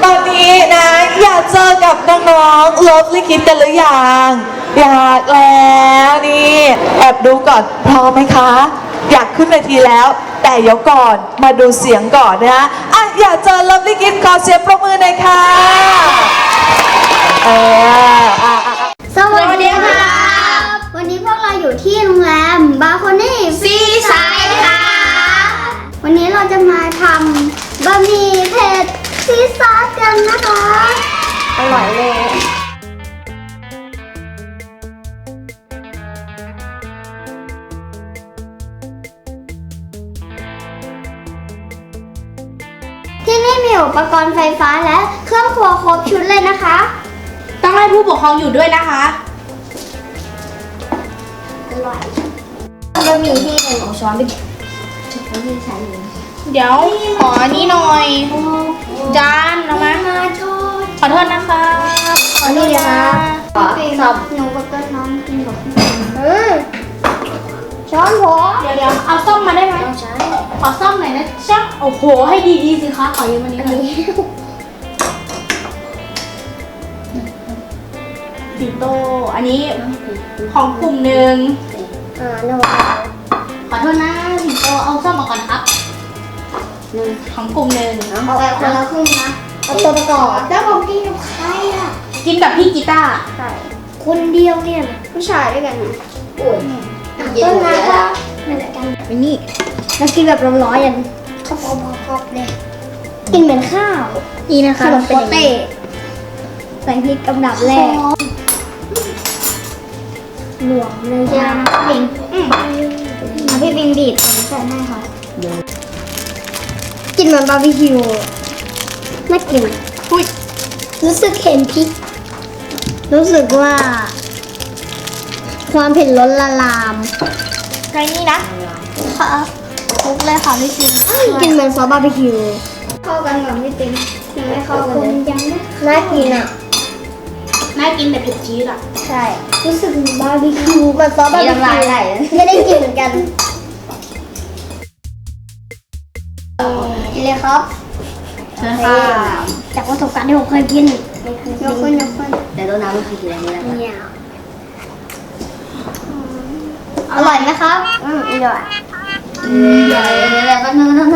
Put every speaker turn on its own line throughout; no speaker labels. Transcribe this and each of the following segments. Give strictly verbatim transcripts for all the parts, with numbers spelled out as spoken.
ตอนนี้นะอยากเจอกับน้องๆเลิฟลิคิดกันหรือยังอยากแล้วนี่แอบดูก่อนพร้อมไหมคะอยากขึ้นเวทีแล้วแต่เดี๋ยวก่อนมาดูเสียงก่อนนะอ่ะอยากเจอเลิฟลิคิดขอเสียงปรบมือหน่อยค่ะเอออ่ะอ่ะ
สวัสดีค่ะวันนี้พวกเราอยู่ที่โรงแรมบาโคนี่ซีไซด์ค่ะวันนี้เราจะมาทำบะหมี่เผ็ดซีซอสกันนะคะอร่อยเลยที่นี่มีอุปกรณ์ไฟฟ้าและเครื่องครัวครบชุดเลยนะคะ
ต้องให้ผู้ปกครองอยู่ด้วยนะคะ
อร่อยบะหมี่ที่หนึ่งของช้อนไปบะหมี่ใส่เลย
เดี๋ยวขอนี่หน่อย จานเอามาขอโทษนะคะ
ขอนี่นะคะขอสอบหนูกับต้นน้องกินกับเออช้อนหัว
เดี๋ยวเดี๋ยวเอาส้มมาได้ไหม
ใช่
ขอส้มหน่อยนะจ๊ะโอ้โหให้ดีๆสิคะขอยืมอันนี้หน่อยสิงโตอันนี้ของกลุ่มหนึ่ง
อ่าโน่
ขอโทษนะสิงโตเอาส้มมาก่อนครับของกลุ่มหนึ่ง
เอาไปคนละครึ่งนะเอาตัวประกอบแล้วผมกินกับใครอ่ะ
กินกับพี่กีตาร์
ใช่คนเดียวเนี่ยผู้ชายด้วยกันนะโอ้ยต้นน้ำก็เหมือนกันไปนี่แล้วกินแบบร้อนๆอย่างครอบๆเลยกินเหมือนข้าวนี่นะคะขนมโปเต้ใส่พริกกำดับแรกหลวมเลยจ้าปิงพี่ปิงดีดผมใส่ให้ค่ะกินเหมือนบาร์บีคิวน่ากินอุ้ยรู้สึกเห็นพริกรู้สึกว่า ความเผ็ดล้นละลาม
ไงนี่นะ
ค่ะคลุกเลยค่ะพี่ปิงกินเหมือนซอสบาร์บีคิวเข้ากันกับพี่ปิงยังไม่เข้ากันเลยยังน่ากินอ่ะ
น่ากินแต่เผ็ดจี๊ดอ่ะ
ใช่รู้สึกเหมือนบาร์บีคิวมันซอสบาร์บีคิวไม่ได้กินเหมือนกันกินเลยครับ
เชิญค่ะ
จากประสบการณ์ที่ผมเคยกินยกขึ้นยกขึ้น
แต่ต้นน้ำมันคือกินอะไรไม่ได้
เนี่ยอร่อยไหมครับอืมอร่อย
เดี๋ยวเดี๋ยวแป๊บนึงนะ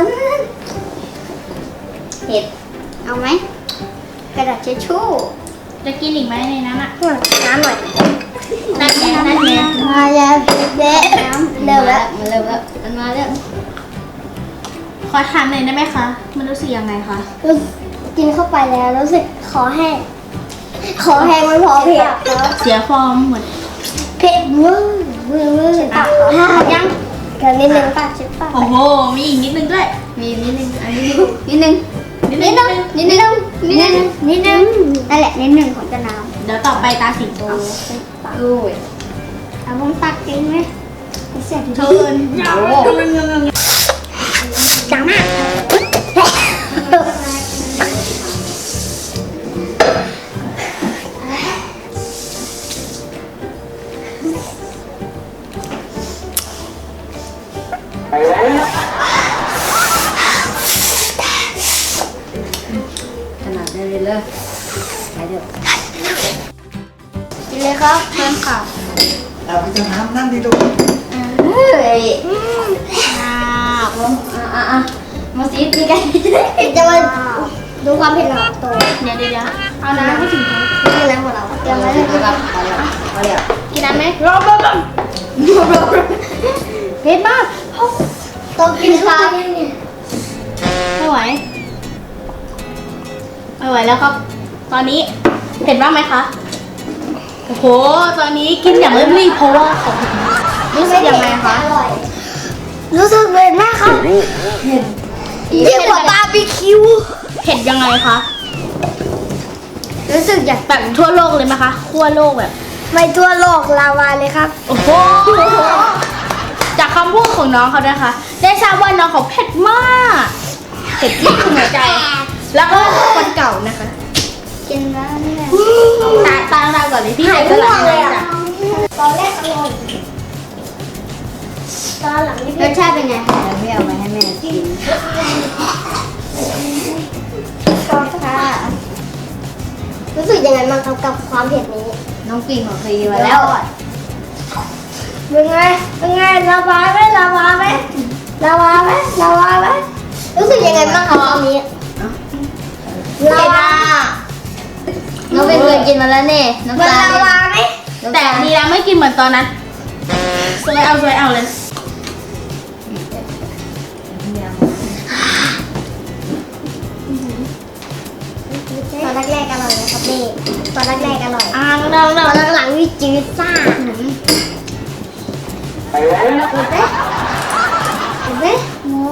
เห็ด
เอาไหมกระดาษเช็ดชู่
จะกินอีกไหมในนั้นอ่ะ
น้ำหน่อย
นั่นไงนั่นไง
มาแล้วเด็น้ำเร็วแล้ว
มันเร็วแล้วมันมาแล้ว
ขอถามหน่อยได้ไหมคะ มันรู้สึกยังไงคะ
กินเข้าไปแล้วรู้สึกคอแห้งคอแห้งไม่พอเผ็ด
เสียฟอร์มหมด
เผ็ดเวอร์เวอร์เวอร์ปากยังกันนิดนึงปากชิบปาก
โอ้โห มีอีกนิดนึงด้วย
มีนิดนึงอันนี้นิดนึง
นิดนึง
นิดนึงนิดนึงนิดนึงนั่นแหละนิดนึงของจะน้ำ
เดี๋ยวต่อไปตาสิงโต
โอ้ย
เอาผมตักเองไหมเสียที
เชิญ
จังมาก
ขนาดได้เลยเลยไปเดี๋ยว
กินเลยครับ
เชิญค่ะ
เอาไปจะน้ำนั่งดีดู
เฮ้ยอ่าอ่าอ่ามาซีดีกัน
จะมาดูความเผ็ดของตัว
เดี๋ยวเดี๋ยวเดี๋ยวเอาน้ำให้สิงโต
นี่แล้วของเราเตรียมไว้เลย
เอาละเอาละเอาละ
กินน้ำไหม
รอบรอบเผ็ดมากต้องกินค่ะ
ไม่ไหว ไม่ไหวแล้วครับ ตอนนี้เผ็ดบ้างไหมคะ โอ้โห ตอนนี้กินอย่างเร่งรีบเพราะว่าของรู้สึกยังไงคะ
อร่อยรู้สึกเผ็ดมากครับยิ่งกว่าบาร์บีคิว
เผ็ดยังไงคะ
รู้สึกอยาก
แบบทั่วโลกเลยไหมคะทั่วโลกแบบ
ไปทั่วโลกลาวาเลยครับ
โอ้โห จากคำพูดของน้องเขานะคะ ได้ทราบว่าน้องเขาเผ็ดมาก เผ็ดที่หัวใจ แล้วก็คนเก่านะคะ
กินแล้วเนี่ย
ตาตาตาก่อนเลยพี่ใจสลายเลยจ้ะ
ตอนแรกอร่อยตอนหลังนี่
รสชาติเป็นไงไม่เอาไว้ให้แม่กิน
ตอนค่ะรู้สึกยังไงบ้างครับกับความเผ็ดนี้
น้องปิงของเคยมาแล้ว
เป็นไงเป็นไงลาวาไหมลาวาไหมลาวาไหมลาวาไหมรู้สึกยังไงบ้างครับตอนนี้ลาวา
น้องปิงเคยกินมาแล้วเนี่ยน้ำ
มัน
ตาล
ลาวาไหม
แต่ดีแล้วไม่กินเหมือนตอนนั้นสวยเอาสวยเอาเลย
ตอนแรกๆอร่อยนะครับนี่ตอนแรกๆอร่อย
อ่าเรา
ต
เรา
อนหลังๆวิจืดซ่าเห็นไหมเห็นไหมโม่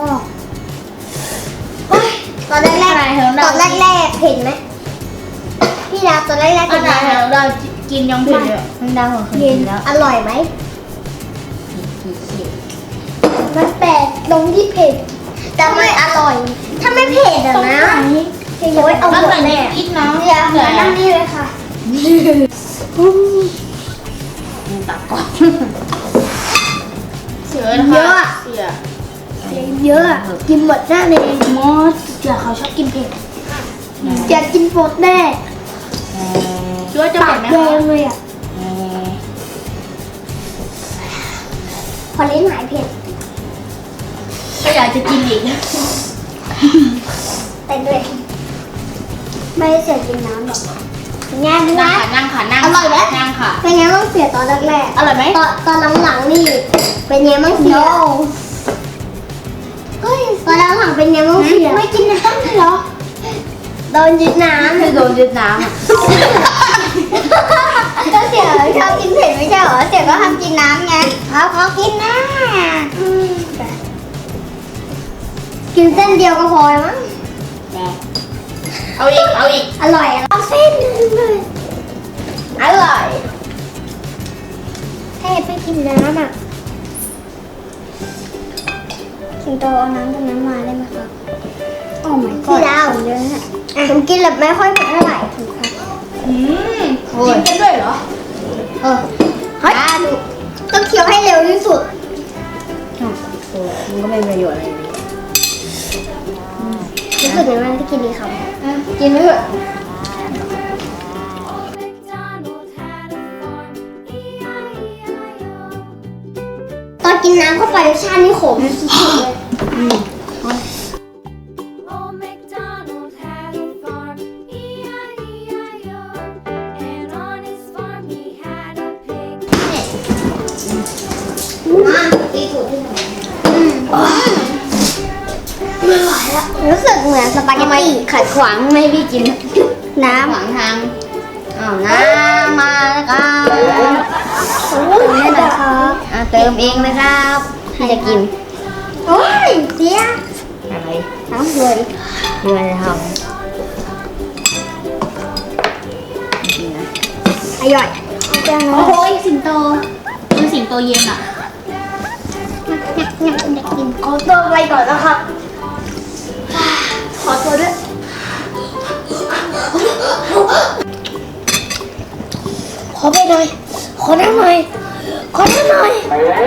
ตอนแรกๆตอนแรกๆเห็นไหมพี่ดาวตอนแรกๆ
ข
เห็นไหม
นาดเรากินยังเผ็ดเลย
น้ำดาวของเคย
เห็
กิ
น
นแล้ว
อร่อยไหมมันแปลกตรงที่เผ็ดแต่ไม่อร่อย ถ้าไม่เผ็ดอะนะโอ้ยเอาหม
ตั้ง
ด
แต่
แน่
นี้อีกน้อง
เดี๋ยวมานั่งนี่เลยค่ะ
ตักก่อนเสือนะคะเสือ
เยอะอะกินหมดแน่เลย
มอสเสือเขาชอบกินเผ็ด
จะกินหมดแน่
คิดว่าจะ
ปา
เผ็
ก
ดไหมคะ
แดงเลยอ่ะพอลิ้นหายเผ็ด
ก็อยากจะกินอีก
แต่ด้วยไม่เสียกินน้ำหรอกงาน
นั่
นะ
งค่ะนั่งค่ะนั่ง
อร่อยไหม
นั่งค่ะ
เป็นไงบ้างเสียตอนแรก
อร่อยไหม
ๆตอนตอนหลังๆนี่เป็นไงบ้างเสียตอนหลังๆเป็นไงบ้างเสียไม่กินน้ำเลยเหรอโดนยึดน้ำ
คือโดนยึดน้ำอะ
ก็เสียชอบกินเผ็ดไม่ใช่เหรอเสียก็ทำกินน้ำไงเขาเขากินน้ำกินเส้นเดียวก็พอแล้วมั้ง
เอาอีกเอาอีก
อร่อยอะเอาเส้นนึงเลย
อร่อย
ถ้าอยากไปกินน้ำอ่ะสิงโตเอาน้ำตรงนั้นมาได้ไหมครับโอ้ my god พี่ดาวเยอะนะผมกินแบบไม่ค่อยเผ็ดเท่าไหร่ถูกครับ
อืมกินกันด้วยเหรอ
เออเฮ้ยต้องเคี้ยวให้เร็วที่สุด
มันก็ไม่มีประโยชน์อะไรเลย
รู้สึกยังไงที่กินดีครับ
กินไม่เถอะ
ตอนกินน้ำเข้าไปรสชาตินี่ขมสุดๆเลย
Old MacDonald had a farm, E I E I O. And on his farm he had a pig.
มาตีถูกที่ไหนไม่ไหวแล้วรู้สึกเหมือนสปาเกตตี้ขัดขวางไม่ให้พี่กิน น้
ขวางทางอ้าวน้ำมาแล้วครับ
ำนี่นะครับ
อ่ะเติมเองเลยครับที่จะกิน
โอ้ยเสีย
อะไร
น้ำเลย
ที่มันจะทำกินนะ
อร่อยเอาจัง
โอ้โหสิงโตคือสิงโตเย็นอ่ะ
งับงับงับกินขอตัวไปก่อนนะครับ ขอตัวด้วย ขอไปหน่อย ขอนั่งหน่อย ขอนั่งหน่อย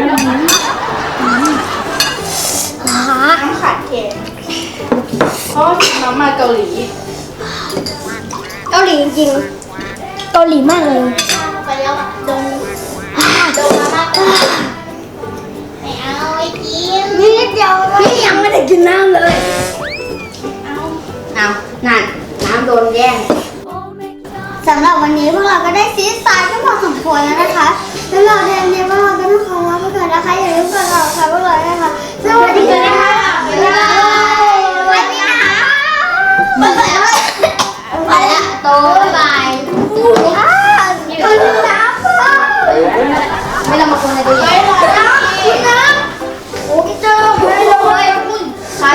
หา
น้ำขาดเค็มเพราะน้ำมาเกาหลี
เกาหลีจริงๆเกาหลีมากเลย
ไปแล้วดงดงมาม่าไม่เอาไอ้กิน
นี่นิดเดียวพี่ยังไม่ได้กินน้ำเลย
เอา
เอานั่นน้ำโดนแย่ง
Old MacDonald
สำหรับวันนี้พวกเราก็ได้ซีสไตล์ก็พอสมควรแล้วนะคะแล้วเราเรียนเรียนพวกเราก็ต้องขอลาไปก่อนนะคะอย่าลืมกดไลค์ค่ะพวกเราด้วยนะคะสวัสดีค่ะบ๊ายบายสวัสดีค่ะบ๊ายบาย
ไปละโตบ๊ายบาย
ค่ะกินน้ำค่ะ
ไม่ต้องมาคนในตัวใหญ่
กินน้ำโอ้ยเจ้าไม่เลยขาด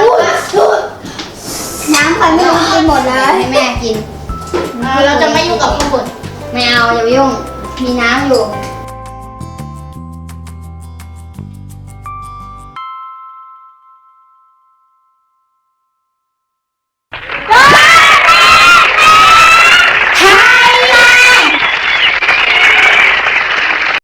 น้ำใครไม่รู้กินหมดเลย
ให้แม่กิน
เราจะไม่ยุ่งกับข้าวบน
ไม่เอาอย่าไปยุ่ง มีน้ำอยู่
อ